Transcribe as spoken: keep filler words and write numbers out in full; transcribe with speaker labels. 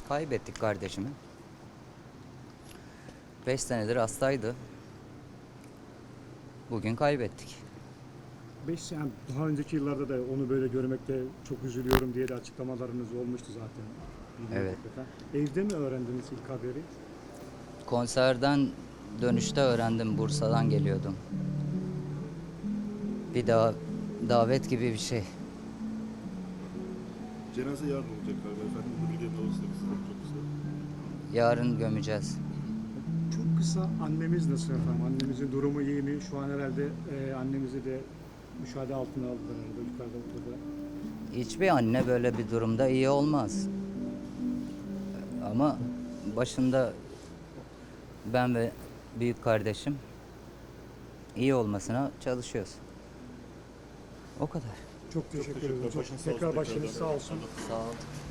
Speaker 1: Kaybettik kardeşimi. Beş senedir hastaydı. Bugün kaybettik.
Speaker 2: Beş yani daha önceki yıllarda da onu böyle görmekte çok üzülüyorum diye de açıklamalarınız olmuştu zaten.
Speaker 1: Evet.
Speaker 2: Evde mi öğrendiniz ilk haberi?
Speaker 1: Konserden dönüşte öğrendim. Bursa'dan geliyordum. Bir daha davet gibi bir şey.
Speaker 3: Cenaze yarın olacak galiba efendim. Bu bilgilerin olursa size çok kısa.
Speaker 1: Yarın gömeceğiz.
Speaker 2: Çok kısa, annemiz nasıl efendim? Annemizin durumu iyi mi? Şu an herhalde e, annemizi de müşahede altına aldılar herhalde yukarıda odada.
Speaker 1: Hiçbir anne böyle bir durumda iyi olmaz. Ama başında ben ve büyük kardeşim iyi olmasına çalışıyoruz. O kadar.
Speaker 2: Çok teşekkür
Speaker 3: teşekkürler.
Speaker 2: ederim. Çok,
Speaker 3: Başınız sağ olsun
Speaker 2: tekrar başınız
Speaker 3: tekrardan.
Speaker 2: sağ olsun.
Speaker 1: Sağ ol.